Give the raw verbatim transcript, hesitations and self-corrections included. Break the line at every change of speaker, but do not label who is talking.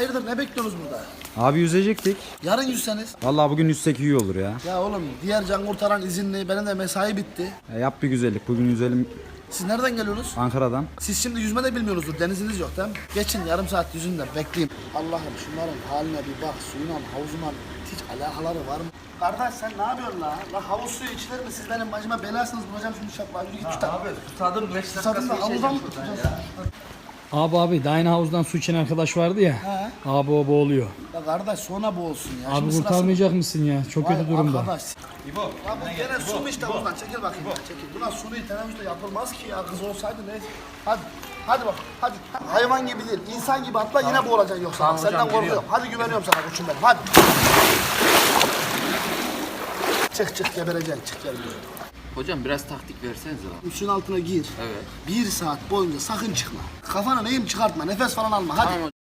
hayırdır ne bekliyorsunuz burada?
Abi yüzecektik.
Yarın yüzseniz.
Vallahi bugün yüzsek iyi olur ya.
Ya oğlum diğer can kurtaran izinli, benim de mesai bitti.
E, yap bir güzellik. Bugün yüzelim
Siz nereden geliyorsunuz?
Ankara'dan.
Siz şimdi yüzme de bilmiyorsunuzdur, deniziniz yok değil mi? Geçin yarım saat yüzün de bekleyin. Allah'ım şunların haline bir bak, suyuna, havuzuna hiç alakaları var mı? Kardeş sen ne yapıyorsun la? La havuz suyu içilir mi? Siz benim bacıma belasınız, bulacağım şimdi şapla. Yürü git tutar.
Abi tutadım beş dakika
Tutarım da
su
havuzdan
içeceğim
mı
şuradan
tutacağız?
ya.
Abi abi daha yeni havuzdan su içen arkadaş vardı ya.
He.
Abi o boğuluyor.
Ya kardeş sonra boğulsun ya.
Abi
Şimdi sırası-
kurtarmayacak mısın ya? Çok
Vay
kötü durumda.
Arkadaş.
İbo.
Ya bu gene su mu işte buradan? Çekil bakayım. ya, Çekil. Buna suni teneffüste yapılmaz ki ya. Kız olsaydı neyse. Hadi. Hadi bak. Hadi. Hayvan gibi değil. İnsan gibi atla yine boğulacaksın yoksa.
Tamam
Bak, senden
hocam,
korkuyorum.
geliyorum.
Hadi güveniyorum sana koçum benim. Hadi. Çık çık gebereceksin. Çık gel buraya.
Hocam biraz taktik versenize lan.
Suyun altına gir.
Evet.
Bir saat boyunca sakın çıkma. Kafana neyim çıkartma. Nefes falan alma. Hadi.
Tamam.